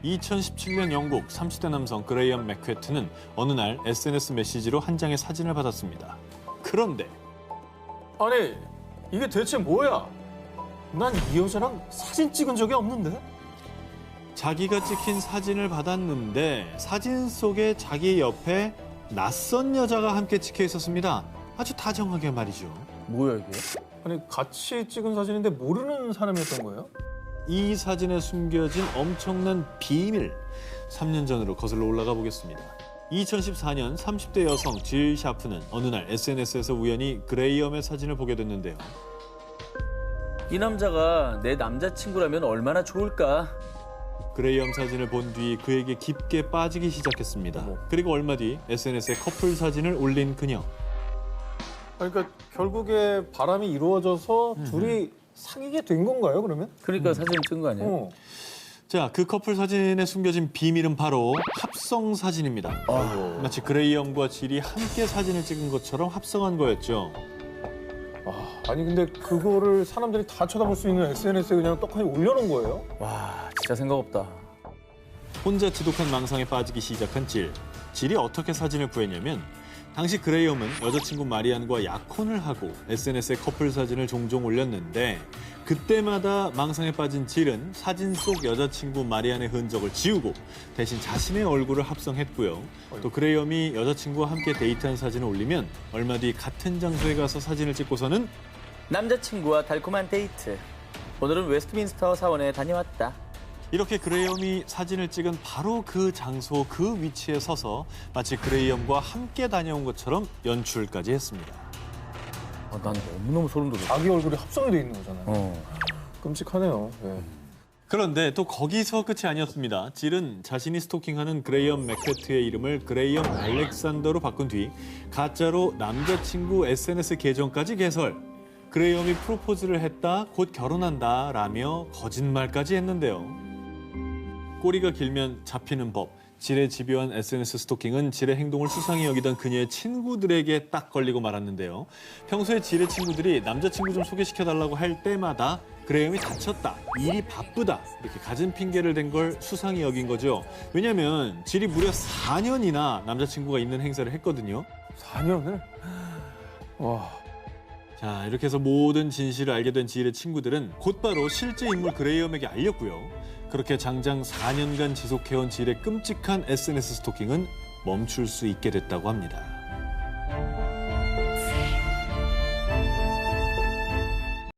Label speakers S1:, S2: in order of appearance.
S1: 2017년 영국 30대 남성 그레이엄 맥퀘트는 어느 날 SNS 메시지로 한 장의 사진을 받았습니다. 그런데
S2: 아니, 이게 대체 뭐야? 난 이 여자랑 사진 찍은 적이 없는데?
S1: 자기가 찍힌 사진을 받았는데 사진 속에 자기 옆에 낯선 여자가 함께 찍혀 있었습니다. 아주 다정하게 말이죠.
S3: 뭐야 이게?
S2: 아니, 같이 찍은 사진인데 모르는 사람이었던 거예요?
S1: 이 사진에 숨겨진 엄청난 비밀, 3년 전으로 거슬러 올라가 보겠습니다. 2014년 30대 여성 질 샤프는 어느 날 SNS에서 우연히 그레이엄의 사진을 보게 됐는데요.
S3: 이 남자가 내 남자친구라면 얼마나 좋을까?
S1: 그레이엄 사진을 본 뒤 그에게 깊게 빠지기 시작했습니다. 그리고 얼마 뒤 SNS에 커플 사진을 올린 그녀.
S2: 그러니까 결국에 바람이 이루어져서 둘이 사귀게 된 건가요, 그러면?
S3: 그러니까 사진 찍은 거 아니에요?
S2: 어.
S1: 자, 그 커플 사진에 숨겨진 비밀은 바로 합성 사진입니다. 마치 그레이엄과 질이 함께 사진을 찍은 것처럼 합성한 거였죠.
S2: 아니, 근데 그거를 사람들이 다 쳐다볼 수 있는 SNS에 그냥 떡하니 올려놓은 거예요?
S3: 와, 진짜 생각 없다.
S1: 혼자 지독한 망상에 빠지기 시작한 질. 질이 어떻게 사진을 구했냐면 당시 그레이엄은 여자친구 마리안과 약혼을 하고 SNS에 커플 사진을 종종 올렸는데 그때마다 망상에 빠진 질은 사진 속 여자친구 마리안의 흔적을 지우고 대신 자신의 얼굴을 합성했고요. 또 그레이엄이 여자친구와 함께 데이트한 사진을 올리면 얼마 뒤 같은 장소에 가서 사진을 찍고서는
S3: 남자친구와 달콤한 데이트. 오늘은 웨스트민스터 사원에 다녀왔다.
S1: 이렇게 그레이엄이 사진을 찍은 바로 그 장소, 그 위치에 서서 마치 그레이엄과 함께 다녀온 것처럼 연출까지 했습니다.
S3: 난 너무너무 소름 돋아.
S2: 자기 얼굴이 합성이 돼 있는 거잖아요. 끔찍하네요. 네.
S1: 그런데 또 거기서 끝이 아니었습니다. 질은 자신이 스토킹하는 그레이엄 맥퀘트의 이름을 그레이엄 알렉산더로 바꾼 뒤 가짜로 남자친구 SNS 계정까지 개설. 그레이엄이 프로포즈를 했다, 곧 결혼한다 라며 거짓말까지 했는데요. 꼬리가 길면 잡히는 법. 질의 집요한 SNS 스토킹은 질의 행동을 수상히 여기던 그녀의 친구들에게 딱 걸리고 말았는데요. 평소에 질의 친구들이 남자친구 좀 소개시켜달라고 할 때마다 그레이엄이 다쳤다, 일이 바쁘다 이렇게 갖은 핑계를 댄 걸 수상히 여긴 거죠. 왜냐하면 질이 무려 4년이나 남자친구가 있는 행사를 했거든요.
S2: 4년을? 와.
S1: 자, 이렇게 해서 모든 진실을 알게 된 지일의 친구들은 곧바로 실제 인물 그레이엄에게 알렸고요. 그렇게 장장 4년간 지속해온 지일의 끔찍한 SNS 스토킹은 멈출 수 있게 됐다고 합니다.